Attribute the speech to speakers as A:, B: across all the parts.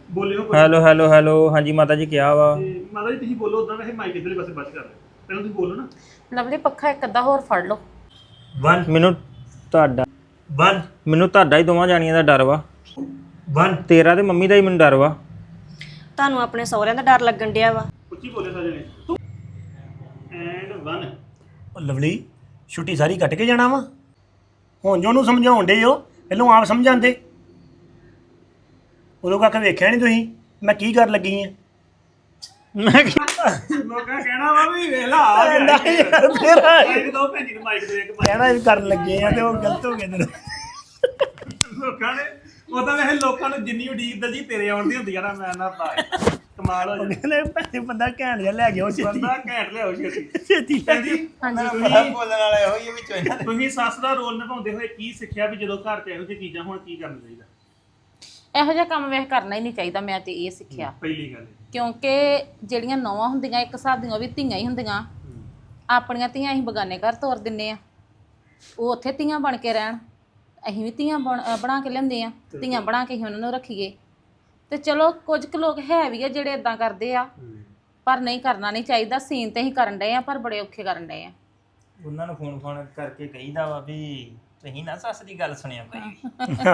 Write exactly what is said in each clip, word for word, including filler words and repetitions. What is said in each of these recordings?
A: ਬੋਲਿਓ ਕੋਈ
B: hello hello hello ਹਾਂਜੀ ਮਾਤਾ ਜੀ ਕਿਹਾ ਵਾ
A: ਤੇ ਮਾਤਾ ਜੀ ਤੁਸੀਂ ਬੋਲੋ ਉਦਾਂ ਵੈਸੇ ਮਾਈਕ ਇਧਰਲੇ ਪਾਸੇ ਬਸ ਕਰ ਲਿਓ ਪਹਿਲਾਂ ਤੁਸੀਂ ਬੋਲੋ ਨਾ
C: ਲਵਲੀ ਪੱਖਾ ਇੱਕ ਅੱਧਾ ਹੋਰ ਫੜ ਲਓ।
A: वन
B: ਮੈਨੂੰ ਤੁਹਾਡਾ
A: वन
B: ਮੈਨੂੰ ਤੁਹਾਡਾ ਹੀ ਦੋਵਾਂ ਜਾਣੀਆਂ ਦਾ ਡਰ ਵਾ
A: वन
B: ਤੇਰਾ ਤੇ ਮੰਮੀ ਦਾ ਹੀ ਮੈਨੂੰ ਡਰ ਵਾ।
D: ਤੁਹਾਨੂੰ ਆਪਣੇ ਸਹੁਰਿਆਂ ਦਾ ਡਰ ਲੱਗਣ ਡਿਆ ਵਾ।
A: ਉੱਚੀ ਬੋਲੇ ਸਾਰੇ ਨੇ ਤੂੰ ਐਂਡ वन
E: ਉਹ ਲਵਲੀ ਛੁੱਟੀ ਸਾਰੀ ਕੱਟ ਕੇ ਜਾਣਾ ਵਾ ਹੁਣ ਜੋ ਉਹਨੂੰ ਸਮਝਾਉਣ ਡੇ ਹੋ ਪਹਿਲਾਂ ਆਪ ਸਮਝਾਉਂਦੇ ਉਦੋਂ ਕੱਖ ਵੇਖਿਆ ਨਹੀਂ ਤੁਸੀਂ ਮੈਂ ਕੀ ਕਰਨ ਲੱਗੀ ਆ
B: ਮੈਂ ਕਿਹਾ,
A: ਲੋਕਾਂ ਕਹਿਣਾ ਵਾ ਵੀ ਵੇਖ ਲਾ ਆ ਗਿਆ
E: ਨਹੀਂ ਯਾਰ ਤੇਰਾ
A: ਇੱਕ ਦੋ ਭੈਣ ਜੀ ਨੂੰ ਮਾਈਕ ਦੇ ਇੱਕ mic
E: ਕਹਿਣਾ ਵੀ ਕਰਨ ਲੱਗੇ ਆ ਤੇ ਉਹ ਗਲਤ ਹੋ ਗਿਆ ਤੇਰਾ
A: ਲੋਕਾਂ ਨੇ ਉਹ ਤਾਂ ਵੈਸੇ ਲੋਕਾਂ ਨੂੰ ਜਿੰਨੀ ਉਡੀਕ ਦਲਜੀ ਤੇਰੇ ਆਉਣ ਦੀ ਹੁੰਦੀ ਆ ਨਾ ਮੈਂ ਨਾ ਪਾਏ ਕਮਾਲ ਹੋ ਜਾਂਦਾ
E: ਕਹਿੰਦੇ ਭੈਣੇ ਬੰਦਾ ਘੈਂਟ ਜਿਹਾ ਲੈ ਗਿਆ ਉਹ ਛੇਤੀ
A: ਬੰਦਾ ਘੈਂਟ ਲਿਆਓ ਛੇਤੀ
E: ਛੇਤੀ ਲੈ
A: ਜੀ
C: ਹਾਂਜੀ
A: ਬੋਲਣ ਵਾਲੇ ਹੋਈ ਵਿੱਚ ਇਹਨਾਂ ਤੁਸੀਂ ਸੱਸ ਦਾ ਰੋਲ ਨਿਭਾਉਂਦੇ ਹੋਏ ਕੀ ਸਿੱਖਿਆ ਵੀ ਜਦੋਂ ਘਰ 'ਚ ਇਹੋ ਜਿਹੀ ਚੀਜ਼ਾਂ ਹੁਣ ਕੀ ਕਰਨਾ ਚਾਹੀਦਾ
C: ਇਹੋ ਜਿਹਾ ਕੰਮ ਵੇਖ ਕਰਨਾ ਹੀ ਨਹੀਂ ਚਾਹੀਦਾ। ਮੈਂ ਤੇ ਇਹ ਸਿੱਖਿਆ
A: ਪਹਿਲੀ ਗੱਲ
C: ਕਿਉਂਕਿ ਜਿਹੜੀਆਂ ਨੌਵਾਂ ਹੁੰਦੀਆਂ ਇੱਕ ਹਿਸਾਬ ਦੀਆਂ ਉਹ ਵੀ ਧੀਆਂ ਹੀ ਹੁੰਦੀਆਂ। ਆਪਣੀਆਂ ਧੀਆਂ ਅਸੀਂ ਬਗਾਨੇ ਘਰ ਤੋਰ ਦਿੰਨੇ ਆ, ਉਹ ਉੱਥੇ ਧੀਆਂ ਬਣ ਕੇ ਰਹਿਣ, ਅਸੀਂ ਵੀ ਧੀਆਂ ਬਣ ਅਹ ਬਣਾ ਕੇ ਲਿਆਉਂਦੇ ਆ, ਧੀਆਂ ਬਣਾ ਕੇ ਹੀ ਉਹਨਾਂ ਨੂੰ ਰੱਖੀਏ। ਤੇ ਚਲੋ ਕੁਝ ਕੁ ਲੋਕ ਹੈ ਵੀ ਆ ਜਿਹੜੇ ਇਦਾਂ ਕਰਦੇ ਆ, ਪਰ ਨਹੀਂ ਕਰਨਾ ਨਹੀਂ ਚਾਹੀਦਾ। ਸੀਨ ਤੇ ਹੀ ਕਰਨ ਡਏ ਆ ਪਰ ਬੜੇ ਔਖੇ ਕਰਨ ਡਏ ਆ।
B: ਉਹਨਾਂ ਨੂੰ ਫੋਨ ਫੋਨ ਕਰਕੇ ਕਹੀਦਾ ਵਾ ਵੀ ਤੁਸੀਂ ਨਾ ਸੱਸ ਦੀ ਗੱਲ ਸੁਣਿਆ ਕੋਈ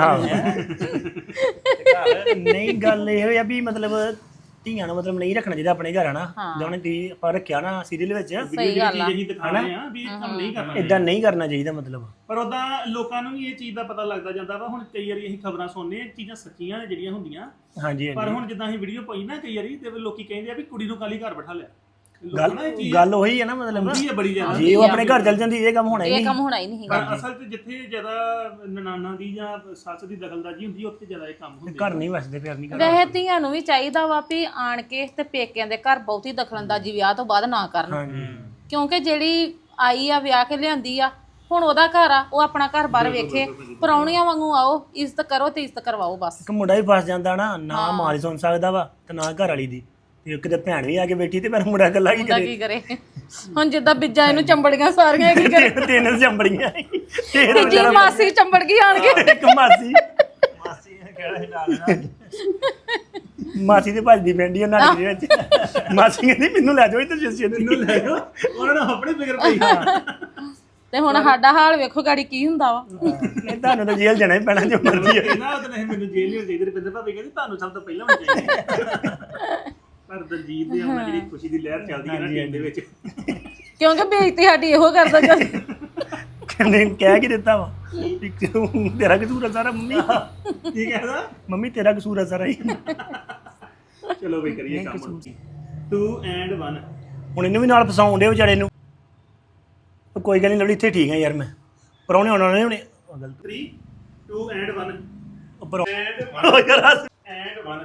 E: ਨਹੀਂ ਗੱਲ ਇਹ ਆ ਵੀ ਮਤਲਬ ਧੀਆਂ ਨੂੰ ਮਤਲਬ ਨਹੀਂ ਰੱਖਣਾ ਚਾਹੀਦਾ ਆਪਣੇ ਘਰ ਹਨਾ ਜਿਵੇਂ ਤੁਸੀਂ ਆਪਾਂ ਰੱਖਿਆ ਨਾ ਸੀਰੀਅਲ ਵਿੱਚ
C: ਸਹੀ ਗੱਲ ਆ।
A: ਜਿਹੀ ਦਿਖਾਣੇ ਆ ਵੀ ਇਹ ਕੰਮ ਨਹੀਂ ਕਰਨਾ
E: ਇਦਾਂ ਨਹੀਂ ਕਰਨਾ ਚਾਹੀਦਾ ਮਤਲਬ
A: ਪਰ ਉਦਾਂ ਲੋਕਾਂ ਨੂੰ ਵੀ ਇਹ ਚੀਜ਼ ਦਾ ਪਤਾ ਲੱਗਦਾ ਜਾਂਦਾ ਵਾ। ਹੁਣ ਕਈ ਵਾਰੀ ਅਸੀਂ ਖਬਰਾਂ ਸੁਣਨੇ ਆ ਚੀਜ਼ਾਂ ਸੱਚੀਆਂ ਨੇ ਜਿਹੜੀਆਂ ਹੁੰਦੀਆਂ,
E: ਹਾਂਜੀ
A: ਪਰ
E: ਹਾਂਜੀ
A: ਹੁਣ ਜਿੱਦਾਂ ਅਸੀਂ ਵੀਡੀਓ ਪਾਈ ਨਾ ਕਈ ਵਾਰੀ ਤੇ ਲੋਕੀ ਕਹਿੰਦੇ ਆ ਵੀ ਕੁੜੀ ਨੂੰ ਕਾਲੀ ਘਰ ਬਿਠਾ ਲਿਆ।
E: ਗੱਲ
A: ਲੋਕਾਂ ਨੂੰ ਇਹ ਚੀਜ਼
E: ਗੱਲ ਉਹੀ ਹੈ ਨਾ ਮਤਲਬ
A: ਹੁੰਦੀ ਹੈ ਬੜੀ ਜ਼ਿਆਦਾ।
E: ਜੇ ਉਹ ਆਪਣੇ ਘਰ ਚੱਲ ਜਾਂਦੀ ਇਹ ਕੰਮ ਹੋਣਾ ਹੀ
C: ਇਹ
E: ਨਹੀਂ
C: ਕੰਮ ਹੋਣਾ ਹੀ ਨਹੀਂ
A: ਪਰ
C: ਹੈਗਾ।
A: ਅਸਲ 'ਚ ਜਿੱਥੇ ਜ਼ਿਆਦਾ ਨਨਾਨਾ ਦੀ ਜਾਂ ਸੱਸ ਦੀ ਦਖਲਅੰਦਾਜ਼ੀ ਹੁੰਦੀ ਉੱਥੇ ਜ਼ਿਆਦਾ ਇਹ ਕੰਮ ਹੁੰਦੇ
E: ਘਰ ਨਹੀਂ ਵਸਦੇ ਫਿਰ ਨਹੀਂ
C: ਵੈਸੇ ਧੀਆਂ ਨੂੰ ਵੀ ਚਾਹੀਦਾ ਵਾ ਵੀ ਆਣ ਕੇ ਤੇ ਪੇਕਿਆਂ ਦੇ ਘਰ ਬਹੁਤੀ ਦਖਲਅੰਦਾਜ਼ੀ ਵਿਆਹ ਤੋਂ ਬਾਅਦ ਨਾ ਕਰਨ,
E: ਹਾਂਜੀ
C: ਕਿਉਂਕਿ ਜਿਹੜੀ ਆਈ ਆ ਵਿਆਹ ਕੇ ਲਿਆਂਦੀ ਆ ਹੁਣ ਉਹਦਾ ਘਰ ਆ, ਉਹ ਆਪਣਾ ਘਰ ਬਾਹਰ ਵੇਖੇ। ਪਰਾਉਣੀਆਂ ਵਾਂਗੂ ਆਓ, ਇੱਜ਼ਤ ਕਰੋ ਤੇ ਇੱਜ਼ਤ ਕਰਵਾਓ ਬਸ।
E: ਇੱਕ ਮੁੰਡਾ ਵੀ ਫਸ ਜਾਂਦਾ ਨਾ, ਨਾ ਮਾਂ ਦੀ ਸੁਣ ਸਕਦਾ ਵਾ ਤੇ ਨਾ ਘਰ ਵਾਲੀ ਦੀ, ਤੇ ਕਿਤੇ ਭੈਣ ਵੀ ਆ ਕੇ ਬੈਠੀ ਤੇ ਪਰ ਮੁੰਡਾ ਇਕੱਲਾ ਕੀ
C: ਮੁੰਡਾ
E: ਕਰੇ।
C: ਕੀ ਕਰੇ ਹੁਣ ਜਿੱਦਾਂ ਬਿੱਜਾਂ ਇਹਨੂੰ ਚੰਬੜੀਆਂ ਸਾਰੀਆਂ ਕੀ ਕਰੇ।
E: ਤਿੰਨ ਚੰਬੜੀਆਂ
C: ਤੇ ਜੀ ਮਾਸੀ ਚੰਬੜ ਗਈ ਆਣ ਕੇ।
E: ਇੱਕ ਮਾਸੀ
B: ਮਾਸੀ ਨੇ ਕਿਹੜਾ ਸੀ ਨਾਲ
E: ਮਾਸੀ ਤੇ ਭੱਜਦੀ ਪੈਂਦੀ ਉਹਨਾਂ ਦੇ ਵਿੱਚ। ਮਾਸੀ ਕਹਿੰਦੀ ਮੈਨੂੰ ਲੈ ਜਾਓ ਇੱਧਰ ਜੱਸੀ
A: ਮੈਨੂੰ ਲੈ ਜਾਓ, ਉਹਨਾਂ ਨੂੰ ਆਪਣੀ ਫਿਕਰ ਪਈ
C: ਤੇ ਹੁਣ ਸਾਡਾ ਹਾਲ ਵੇਖੋ ਗਾੜੀ ਕੀ ਹੁੰਦਾ ਵਾ।
E: ਨਹੀਂ ਤੁਹਾਨੂੰ ਤਾਂ ਜੇਲ੍ਹ ਜਾਣਾ ਹੀ ਪੈਣਾ ਜੋ ਮਰਜ਼ੀ ਹੋਵੇ।
A: ਨਾ ਉਹ ਨਹੀਂ ਮੈਨੂੰ ਜੇਲ੍ਹ ਨਹੀਂ ਚਾਹੀਦੀ। ਰੁਪਿੰਦਰ ਭਾਬੀ ਕਹਿੰਦੀ ਤੁਹਾਨੂੰ ਸਭ ਤੋਂ ਪਹਿਲਾਂ ਹੋਣੀ ਚਾਹੀਦੀ। ਪਰ ਦਲਜੀਤ ਦੇ ਆਉਣਾ ਜਿਹੜੀ ਖੁਸ਼ੀ ਦੀ ਲਹਿਰ ਚੱਲਦੀ ਹੈ ਨਾ ਟੀਮ ਦੇ ਵਿੱਚ,
C: ਕਿਉਂਕਿ ਬੇਇੱਜ਼ਤੀ ਸਾਡੀ ਇਹੋ ਕਰਦਾ ਜਦ
E: ਕਹਿੰਦੇ ਕਹਿ ਕੀ ਦਿੱਤਾ ਵਾ ਵੀ ਤੂੰ- ਤੇਰਾ ਕਸੂਰ ਆ ਸਾਰਾ ਮੰਮੀ।
A: ਕੀ ਕਹਿੰਦਾ
E: ਮੰਮੀ ਤੇਰਾ ਕਸੂਰ ਆ ਸਾਰਾ ਹੀ।
A: ਚਲੋ ਬਈ ਕਰੀਏ ਕੰਮ। ਟੂ ਐਂਡ वन
E: ਹੁਣ ਇਹਨੂੰ ਵੀ ਨਾਲ ਫਸਾਉਣ ਦੇ ਵਿਚਾਰੇ ਨੂੰ। ਉਹ ਕੋਈ ਗੱਲ ਨਹੀਂ ਲੜੀ ਇੱਥੇ ਠੀਕ ਆ ਯਾਰ ਮੈਂ ਪਰੌਣੇ ਆਉਣ ਵਾਲੇ ਹੁਣੇ। ਉਹ ਗਲਤ
A: थ्री टू एंड वन
E: ਉੱਪਰ
A: एंड
E: ਉਹ ਯਾਰ ਹੱਸ।
A: एंड वन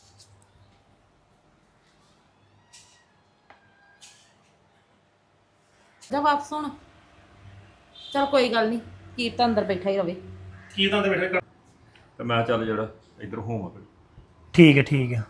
C: ਜਾ ਵਾਪਸ ਹੁਣ। ਚਲ ਕੋਈ ਗੱਲ ਨਹੀਂ, ਕੀਰਤ ਅੰਦਰ ਬੈਠਾ ਹੀ ਰਵੇ।
A: ਕੀ ਤਾਂ ਦੇ ਬੈਠੇ ਕਰ
F: ਤੇ ਮੈਂ ਚੱਲ ਜਿਹੜਾ ਇੱਧਰ ਹੋਵਾਂ ਫਿਰ
E: ਠੀਕ ਹੈ ਠੀਕ ਹੈ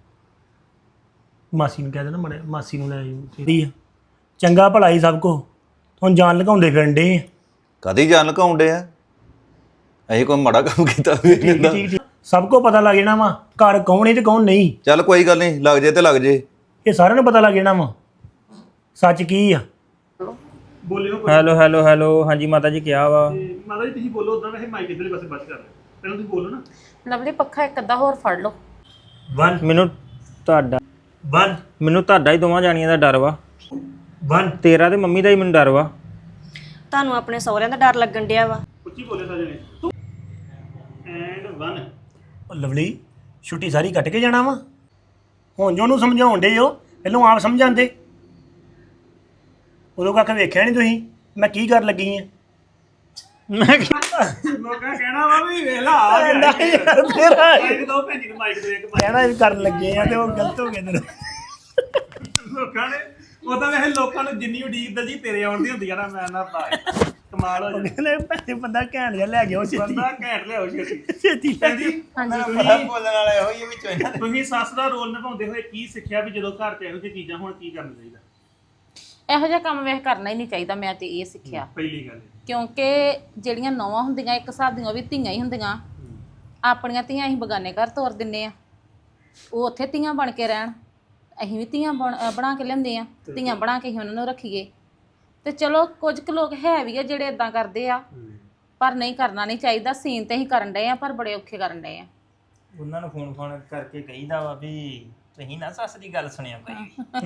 E: ਮਾਸੀ ਨੂੰ ਕਹਿ ਦੇਣਾ ਮੜੇ ਮਾਸੀ ਨੂੰ ਲੈ ਆਇਓ ਠੀਕ ਆ ਚੰਗਾ ਭਲਾ ਹੀ ਸਭ ਕੋ ਹੁਣ ਜਾਨ ਲਗਾਉਂਦੇ ਫਿਰਨ ਡੇ
F: ਕਦੀ ਜਾਣ ਲਕਾਉਂਦੇ ਆ ਅਸੀਂ ਕੋਈ ਮਾੜਾ ਕੰਮ ਕੀਤਾ ਵੀ ਨਹੀਂ ਹੁੰਦਾ।
E: ਠੀਕ ਠੀਕ ਸਭ ਕੋ ਪਤਾ ਲੱਗ ਜਾਣਾ ਵਾ ਘਰ ਕੌਣ ਹੈ ਤੇ ਕੌਣ ਨਹੀਂ।
F: ਚੱਲ ਕੋਈ ਗੱਲ ਨਹੀਂ, ਲੱਗ ਜੇ ਤੇ ਲੱਗ ਜੇ।
E: ਇਹ ਸਾਰਿਆਂ ਨੂੰ ਪਤਾ ਲੱਗ ਜਾਣਾ ਵਾ ਸੱਚ ਕੀ ਆ।
A: ਬੋਲਿਓ ਕੋਈ
B: ਹੈਲੋ ਹੈਲੋ ਹੈਲੋ ਹਾਂਜੀ ਮਾਤਾ ਜੀ ਕਿਹਾ ਵਾ
A: ਤੇ ਮਾਤਾ ਜੀ ਤੁਸੀਂ ਬੋਲੋ ਉਦਾਂ ਵੈਸੇ ਮਾਈਕ ਇਧਰਲੇ ਪਾਸੇ ਬਸ ਕਰ ਲਿਓ ਪਹਿਲਾਂ ਤੁਸੀਂ ਬੋਲੋ ਨਾ
C: ਲਵਲੀ ਪੱਖਾ ਇੱਕ ਅੱਧਾ ਹੋਰ ਫੜ ਲਓ।
E: ਵਨ
B: ਮੈਨੂੰ ਤੁਹਾਡਾ
E: ਵਨ
B: ਮੈਨੂੰ ਤੁਹਾਡਾ ਹੀ ਦੋਵਾਂ ਜਾਣੀਆਂ ਦਾ ਡਰ ਵਾ
E: ਵਨ
B: ਤੇਰਾ ਤੇ ਮੰਮੀ ਦਾ ਹੀ ਮੈਨੂੰ ਡਰ ਵਾ।
D: ਤੁਹਾਨੂੰ ਆਪਣੇ ਸਹੁਰਿਆਂ ਦਾ ਡਰ ਲੱਗਣ ਡਿਆ ਵਾ।
A: ਉੱਚੀ ਬੋਲੇ ਸਾਰੇ ਨੇ ਤੂੰ ਐਂਡ वन
E: ਉਹ ਲਵਲੀ ਛੁੱਟੀ ਸਾਰੀ ਕੱਟ ਕੇ ਜਾਣਾ ਵਾ ਹੁਣ ਜੋ ਉਹਨੂੰ ਸਮਝਾਉਣ ਡੇ ਹੋ ਪਹਿਲਾਂ ਆਪ ਸਮਝਾਉਂਦੇ ਉਦੋਂ ਕੱਖ ਵੇਖਿਆ ਨਹੀਂ ਤੁਸੀਂ ਮੈਂ ਕੀ ਕਰਨ ਲੱਗੀ ਆ
B: ਮੈਂ ਕਿਹਾ,
A: ਲੋਕਾਂ ਕਹਿਣਾ ਵਾ ਵੀ ਵੇਖ ਲਾ ਆ ਗਿਆ
E: ਨਹੀਂ ਯਾਰ ਤੇਰਾ
A: ਇੱਕ ਦੋ ਭੈਣ ਜੀ ਨੂੰ ਮਾਈਕ ਦੇ ਇੱਕ mic
E: ਕਹਿਣਾ ਵੀ ਕਰਨ ਲੱਗੇ ਆ ਤੇ ਉਹ ਗਲਤ ਹੋ ਗਿਆ ਤੇਰਾ
A: ਲੋਕਾਂ ਨੇ ਉਹ ਤਾਂ ਵੈਸੇ ਲੋਕਾਂ ਨੂੰ ਜਿੰਨੀ ਉਡੀਕ ਦਲਜੀ ਤੇਰੇ ਆਉਣ ਦੀ ਹੁੰਦੀ ਆ ਨਾ ਮੈਂ ਨਾ ਪਾਏ ਕਮਾਲ ਹੋ ਜਾਂਦਾ।
E: ਕਹਿੰਦੇ ਭੈਣੇ ਬੰਦਾ ਘੈਂਟ ਜਿਹਾ ਲੈ ਗਿਆ ਉਹ ਛੇਤੀ
A: ਬੰਦਾ ਘੈਂਟ ਲਿਆਓ ਛੇਤੀ
E: ਛੇਤੀ ਲੈ
A: ਜੀ
C: ਹਾਂਜੀ
F: ਬੋਲਣ ਵਾਲੇ ਹੋਈ ਵਿੱਚ ਇਹਨਾਂ
A: ਤੁਸੀਂ ਸੱਸ ਦਾ ਰੋਲ ਨਿਭਾਉਂਦੇ ਹੋਏ ਕੀ ਸਿੱਖਿਆ ਵੀ ਜਦੋਂ ਘਰ 'ਚ ਇਹੋ ਜਿਹੀ ਚੀਜ਼ਾਂ ਹੁਣ ਕੀ ਕਰਨਾ ਚਾਹੀਦਾ?
C: ਇਹੋ ਜਿਹਾ ਕੰਮ ਵੇਖ ਕਰਨਾ ਹੀ ਨਹੀਂ ਚਾਹੀਦਾ। ਮੈਂ ਤੇ ਇਹ ਸਿੱਖਿਆ
A: ਪਹਿਲੀ ਗੱਲ
C: ਕਿਉਂਕਿ ਜਿਹੜੀਆਂ ਨੌਵਾਂ ਹੁੰਦੀਆਂ ਇੱਕ ਹਿਸਾਬ ਦੀਆਂ ਉਹ ਵੀ ਧੀਆਂ ਹੀ ਹੁੰਦੀਆਂ। ਆਪਣੀਆਂ ਧੀਆਂ ਅਸੀਂ ਬਗਾਨੇ ਘਰ ਤੋਰ ਦਿੰਨੇ ਆ, ਉਹ ਉੱਥੇ ਧੀਆਂ ਬਣ ਕੇ ਰਹਿਣ, ਅਸੀਂ ਵੀ ਧੀਆਂ ਬਣ- ਅਹ ਬਣਾ ਕੇ ਲਿਆਉਂਦੇ ਆ, ਧੀਆਂ ਬਣਾ ਕੇ ਹੀ ਉਹਨਾਂ ਨੂੰ ਰੱਖੀਏ। ਤੇ ਚਲੋ ਕੁਝ ਕੁ ਲੋਕ ਹੈ ਵੀ ਆ ਜਿਹੜੇ ਇਦਾਂ ਕਰਦੇ ਆ, ਪਰ ਨਹੀਂ ਕਰਨਾ ਨਹੀਂ ਚਾਹੀਦਾ। ਸੀਨ ਤੇ ਹੀ ਕਰਨ ਡਏ ਆ, ਪਰ ਬੜੇ ਔਖੇ ਕਰਨ ਡਏ ਆ।
B: ਉਹਨਾਂ ਨੂੰ ਫੋਨ ਫੋਨ ਕਰਕੇ ਕਹੀਦਾ ਵਾ ਵੀ ਤੁਸੀਂ ਨਾ ਸੱਸ ਦੀ ਗੱਲ ਸੁਣਿਆ ਕੋਈ ਵੀ।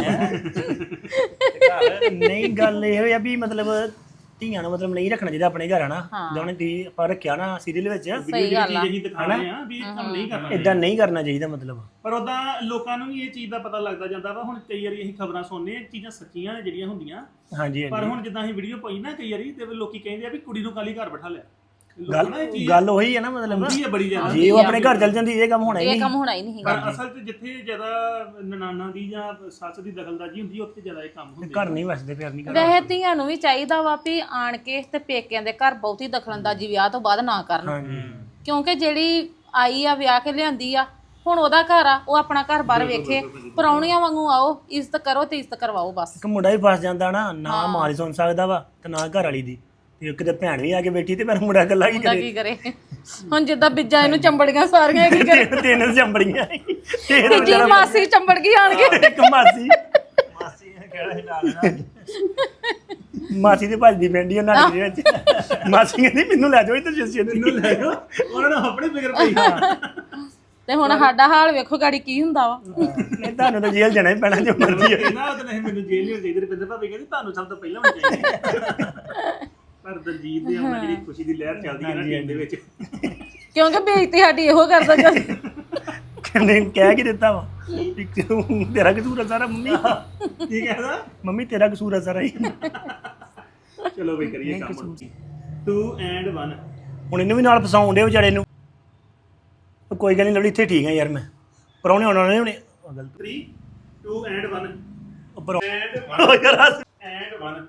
B: ਤੇ ਘਰ
E: ਨਹੀਂ ਗੱਲ ਇਹ ਆ ਵੀ ਮਤਲਬ ਧੀਆਂ ਨੂੰ ਮਤਲਬ ਨਹੀਂ ਰੱਖਣਾ ਚਾਹੀਦਾ ਆਪਣੇ ਘਰ ਹਨਾ ਜਿਵੇਂ ਤੁਸੀਂ ਆਪਾਂ ਰੱਖਿਆ ਨਾ ਸੀਰੀਅਲ ਵਿੱਚ
C: ਸਹੀ ਗੱਲ ਆ।
A: ਅਸੀਂ ਦਿਖਾਣੇ ਆ ਵੀ ਕੰਮ ਨਹੀਂ ਕਰਨਾ
E: ਇਦਾਂ ਨਹੀਂ ਕਰਨਾ ਚਾਹੀਦਾ ਮਤਲਬ।
A: ਪਰ ਉਦਾਂ ਲੋਕਾਂ ਨੂੰ ਵੀ ਇਹ ਚੀਜ਼ ਦਾ ਪਤਾ ਲੱਗਦਾ ਜਾਂਦਾ ਵਾ। ਹੁਣ ਕਈ ਵਾਰੀ ਅਸੀਂ ਖਬਰਾਂ ਸੁਣਨੇ ਆ, ਚੀਜ਼ਾਂ ਸੱਚੀਆਂ ਨੇ ਜਿਹੜੀਆਂ ਹੁੰਦੀਆਂ,
E: ਹਾਂਜੀ
A: ਪਰ
E: ਹਾਂਜੀ
A: ਹੁਣ ਜਿੱਦਾਂ ਅਸੀਂ ਵੀਡੀਓ ਪਾਈ ਨਾ ਕਈ ਵਾਰੀ ਤੇ ਲੋਕੀ ਕਹਿੰਦੇ ਆ ਵੀ ਕੁੜੀ ਨੂੰ ਕਾਲੀ ਘਰ ਬਿਠਾ ਲਿਆ।
E: ਗੱਲ ਗੱਲ ਉਹੀ ਹੈ ਨਾ ਮਤਲਬ
A: ਹੁੰਦੀ ਹੈ ਬੜੀ ਜ਼ਿਆਦਾ।
E: ਜੇ ਉਹ ਆਪਣੇ ਘਰ ਚੱਲ ਜਾਂਦੀ ਇਹ ਕੰਮ ਹੋਣਾ ਹੀ
C: ਇਹ
E: ਨਹੀਂ।
C: ਕੰਮ ਹੋਣਾ ਹੀ ਨਹੀਂ
A: ਪਰ
C: ਹੈਗਾ।
A: ਅਸਲ 'ਚ ਜਿੱਥੇ ਜ਼ਿਆਦਾ ਨਨਾਨਾ ਦੀ ਜਾਂ ਸੱਸ ਦੀ ਦਖਲਅੰਦਾਜ਼ੀ ਹੁੰਦੀ ਉੱਥੇ ਜ਼ਿਆਦਾ ਇਹ ਕੰਮ ਹੁੰਦੇ।
E: ਘਰ ਨਹੀਂ ਵਸਦੇ ਪਿਆਰ ਨਹੀਂ ਕਰਦੇ।
C: ਵੈਸੇ ਧੀਆਂ ਨੂੰ ਵੀ ਚਾਹੀਦਾ ਵਾ ਵੀ ਆਣ ਕੇ ਤੇ ਪੇਕਿਆਂ ਦੇ ਘਰ ਬਹੁਤੀ ਦਖਲਅੰਦਾਜ਼ੀ ਵਿਆਹ ਤੋਂ ਬਾਅਦ ਨਾ ਕਰਨ,
E: ਹਾਂਜੀ
C: ਕਿਉਂਕਿ ਜਿਹੜੀ ਆਈ ਆ ਵਿਆਹ ਕੇ ਲਿਆਂਦੀ ਆ, ਹੁਣ ਉਹਦਾ ਘਰ ਆ, ਉਹ ਆਪਣਾ ਘਰ ਬਾਹਰ ਵੇਖੇ। ਪ੍ਰਾਹੁਣੀਆਂ ਵਾਂਗੂ ਆਓ, ਇੱਜ਼ਤ ਕਰੋ ਤੇ ਇੱਜ਼ਤ ਕਰਵਾਓ ਬਸ।
E: ਇੱਕ ਮੁੰਡਾ ਵੀ ਫਸ ਜਾਂਦਾ ਨਾ, ਨਾ ਮਾਂ ਦੀ ਸੁਣ ਸਕਦਾ ਵਾ ਤੇ ਨਾ ਘਰ ਵਾਲੀ ਦੀ, ਤੇ ਕਿਤੇ ਭੈਣ ਵੀ ਆ ਕੇ ਬੈਠੀ ਤੇ ਮੇਰਾ ਮੁੰਡਾ ਇਕੱਲਾ ਕੀ
C: ਮੁੰਡਾ
E: ਕਰੇ।
C: ਕੀ ਕਰੇ? ਹੁਣ ਜਿੱਦਾਂ ਬਿੱਜਾਂ ਇਹਨੂੰ ਚੰਬੜੀਆਂ ਸਾਰੀਆਂ, ਕੀ ਕਰੇ?
E: ਤਿੰਨ- ਤਿੰਨ ਚੰਬੜੀਆਂ ਤੇ
C: ਤੀਜੀ ਮਾਸੀ ਚੰਬੜ ਗਈ ਆਣ ਕੇ।
E: ਇੱਕ ਮਾਸੀ
B: ਮਾਸੀ ਨੇ ਕਿਹੜਾ ਹਿਲਾ ਲੈਣਾ।
E: ਮਾਸੀ ਦੇ ਭੱਜਦੀ ਪੈਂਦੀ ਉਹਨਾਂ ਦੇ ਵਿੱਚ। ਮਾਸੀ ਕਹਿੰਦੀ ਮੈਨੂੰ ਲੈ ਜਾਓ ਇੱਧਰ ਜੱਸੀ
A: ਮੈਨੂੰ ਲੈ ਜਾਓ, ਉਹਨਾਂ ਨੂੰ ਆਪਣੇ ਫਿਕਰ ਪਈ।
C: ਤੇ ਹੁਣ ਸਾਡਾ ਹਾਲ ਵੇਖੋ ਗਾੜੀ ਕੀ ਹੁੰਦਾ ਵਾ।
E: ਨਹੀਂ ਤੁਹਾਨੂੰ ਤਾਂ ਜੇਲ੍ਹ ਜਾਣਾ ਹੀ ਪੈਣਾ ਜੋ ਮਰਜ਼ੀ ਹੋਵੇ।
A: ਨਾ ਤਾਂ ਨਹੀਂ ਮੈਨੂੰ ਜੇਲ੍ਹ ਨਹੀਂ ਚਾਹੀਦੀ। ਰਵਿੰਦਰ ਭਾਬੀ ਕਹਿੰਦੀ ਤੁਹਾਨੂੰ ਸਭ ਤੋਂ ਪਹਿਲਾਂ ਹੋਣੀ ਚਾਹੀਦੀ। ਪਰ ਦਲਜੀਤ ਦੇ ਆਉਣਾ ਜਿਹੜੀ ਖੁਸ਼ੀ ਦੀ ਲਹਿਰ ਚੱਲਦੀ ਹੈ ਨਾ ਟੀਮ ਦੇ ਵਿੱਚ।
C: ਕਿਉਂਕਿ ਬੇਇੱਜ਼ਤੀ ਸਾਡੀ ਇਹੋ ਕਰਦਾ ਜਦ।
E: ਕਹਿੰਦੇ ਕਹਿ ਕੀ ਦਿੱਤਾ ਵਾ ਵੀ ਤੂੰ- ਤੇਰਾ ਕਸੂਰ ਆ ਸਾਰਾ ਮੰਮੀ।
A: ਕੀ ਕਹਿੰਦਾ?
E: ਮੰਮੀ ਤੇਰਾ ਕਸੂਰ ਆ ਸਾਰਾ ਹੀ।
A: ਚਲੋ ਬਈ ਕਰੀਏ ਕੰਮ। Two and one.
E: ਹੁਣ ਇਹਨੂੰ ਵੀ ਨਾਲ ਫਸਾਉਣ ਦੇ ਵਿਚਾਰੇ ਨੂੰ। ਉਹ ਕੋਈ ਗੱਲ ਨਹੀਂ ਲਵਲੀ ਇੱਥੇ ਠੀਕ ਆ ਯਾਰ ਮੈਂ। ਪਰੌਣੇ ਆਉਣਾ ਨੇ ਹੁਣੇ। ਉਹ ਗਲਤ
A: ਥ੍ਰੀ ਟੂ ਐਂਡ ਵਨ।
E: ਉੱਪਰ
A: ਐਂਡ
E: ਉਹ ਯਾਰ ਹੱਸ।
A: And one.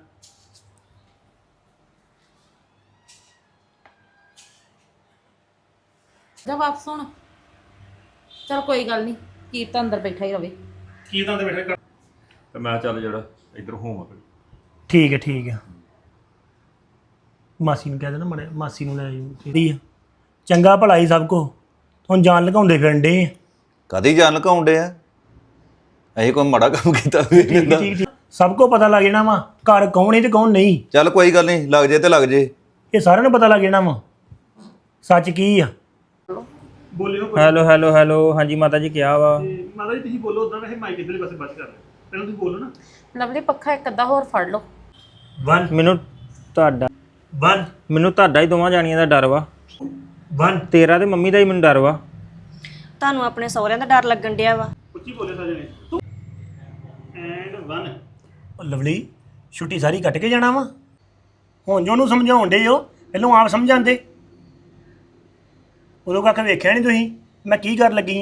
C: ਜਾ ਵਾਪਸ ਹੁਣ। ਚਲ ਕੋਈ ਗੱਲ ਨਹੀਂ, ਕੀਰਤ ਅੰਦਰ ਬੈਠਾ ਹੀ ਰਵੇ।
A: ਕੀ ਤਾਂ ਦੇ ਬੈਠੇ ਕਰ।
F: ਤੇ ਮੈਂ ਚੱਲ ਜਿਹੜਾ ਇੱਧਰ ਹੋਵਾਂ ਫਿਰ।
E: ਠੀਕ ਹੈ ਠੀਕ ਹੈ। ਮਾਸੀ ਨੂੰ ਕਹਿ ਦੇਣਾ ਮੜੇ ਮਾਸੀ ਨੂੰ ਲੈ ਆਈ। ਚੰਗਾ ਭਲਾ ਹੀ ਸਭ ਕੋ। ਹੁਣ ਜਾਨ ਲਗਾਉਂਦੇ ਫਿਰਨ ਡੇ।
F: ਕਦੀ ਜਾਨ ਲਕਾਉਂਦੇ ਆ ਅਸੀਂ ਕੋਈ ਮਾੜਾ ਕੰਮ ਕੀਤਾ ਵੀ ਨਹੀਂ ਹੁੰਦਾ।
E: ਠੀਕ ਠੀਕ ਸਭ ਕੋ ਪਤਾ ਲੱਗ ਜਾਣਾ ਵਾ ਘਰ ਕੌਣ ਹੈ ਤੇ ਕੌਣ ਨਹੀਂ।
F: ਚੱਲ ਕੋਈ ਗੱਲ ਨਹੀਂ, ਲੱਗ ਜੇ ਤੇ ਲੱਗ ਜੇ।
E: ਇਹ ਸਾਰਿਆਂ ਨੂੰ ਪਤਾ ਲੱਗ ਜਾਣਾ ਵਾ ਸੱਚ ਕੀ ਆ।
A: ਬੋਲਿਓ ਕੋਈ।
B: ਹੈਲੋ ਹੈਲੋ ਹੈਲੋ ਹਾਂਜੀ ਮਾਤਾ ਜੀ ਕਿਹਾ ਵਾ।
A: ਤੇ ਮਾਤਾ ਜੀ ਤੁਸੀਂ ਬੋਲੋ ਉਦਾਂ ਵੈਸੇ ਮਾਈਕ ਇਧਰਲੇ ਪਾਸੇ ਬਸ ਕਰ ਲਓ। ਪਹਿਲਾਂ ਤੁਸੀਂ ਬੋਲੋ ਨਾ।
C: ਲਵਲੀ ਪੱਖਾ ਇੱਕ ਅੱਧਾ ਹੋਰ ਫੜ ਲਓ।
E: ਵਨ
B: ਮੈਨੂੰ ਤੁਹਾਡਾ
E: ਵਨ
B: ਮੈਨੂੰ ਤੁਹਾਡਾ ਹੀ ਦੋਵਾਂ ਜਾਣੀਆਂ ਦਾ ਡਰ ਵਾ।
E: ਵਨ
B: ਤੇਰਾ ਤੇ ਮੰਮੀ ਦਾ ਹੀ ਮੈਨੂੰ ਡਰ ਵਾ।
D: ਤੁਹਾਨੂੰ ਆਪਣੇ ਸਹੁਰਿਆਂ ਦਾ ਡਰ ਲੱਗਣ ਡਿਆ ਵਾ।
A: ਉੱਚੀ ਬੋਲੇ ਸਾਜਣੇ। Two and one.
E: ਉਹ ਲਵਲੀ ਛੁੱਟੀ ਸਾਰੀ ਕੱਟ ਕੇ ਜਾਣਾ ਵਾ। ਹੁਣ ਜੋ ਉਹਨੂੰ ਸਮਝਾਉਣ ਡੇ ਹੋ ਪਹਿਲਾਂ ਆਪ ਸਮਝਾਉਂਦੇ। ਉਦੋਂ ਕੱਖ ਵੇਖਿਆ ਨਹੀਂ ਤੁਸੀਂ ਮੈਂ ਕੀ ਕਰ ਲੱਗੀ